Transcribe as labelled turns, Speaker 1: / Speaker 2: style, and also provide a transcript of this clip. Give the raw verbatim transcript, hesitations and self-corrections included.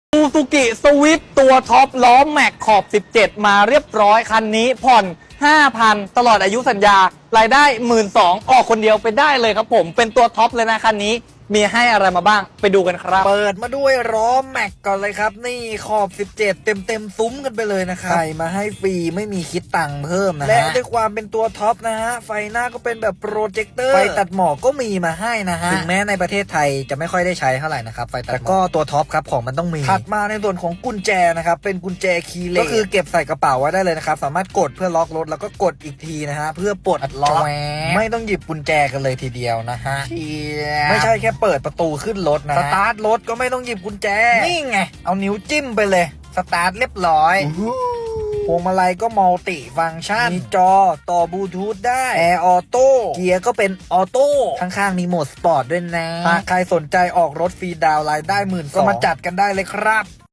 Speaker 1: ซูซูกิสวิฟตัวท็อปล้อแม็กขอบสิบเจ็ดมาเรียบร้อยคันนี้ผ่อน ห้าพัน ตลอดอายุสัญญารายได้ หนึ่งหมื่นสองพัน ออกคนเดียวไปได้เลยครับผมเป็นตัวท็อปเลยนะคันนี้มีให้อะไรมาบ้างไปดูกันครับ
Speaker 2: เปิดมาด้วยล้อแม็กก่อนเลยครับนี่ขอบสิบเจ็ดเต็มเต็มซุ้มกันไปเลยนะครับใส่มาให้ฟรีไม่มีคิดตังค์เพิ่มนะฮะและด้วยความเป็นตัวท็อปนะฮะไฟหน้าก็เป็นแบบโปรเจคเตอร์ไฟตัดหมอกก็มีมาให้นะฮะถึงแม้ในประเทศไทยจะไม่ค่อยได้ใช้เท่าไหร่นะครับไฟตัดหมอกแต่ก็ตัวท็อปครับของมันต้องมีถัดมาในส่วนของกุญแจนะครับเป็นกุญแจคีย์เลสก็คือเก็บใส่กระเป๋าไว้ได้เลยนะครับสามารถกดเพื่อล็อกรถแล้วก็กดอีกทีนะฮะเพื่อปลดล็อกไม่ต้องหยิบกุญแจกันเลยทีเดียวนะฮะไม่ใช่แค่เปิดประตูขึ้นรถนะสตาร์ทรถก็ไม่ต้องหยิบกุญแจนี่ไงเอานิ้วจิ้มไปเลยสตาร์ทเรียบร้อยพวงมาลัยก็มัลติฟังก์ชันมีจอต่อบลูทูธได้แอร์ออโต้เกียร์ก็เป็นออโต้ข้างๆมีโหมดสปอร์ตด้วยนะหากใครสนใจออกรถฟรีดาวน์รายได้หมื่นก็มาจัดกันได้เลยครับ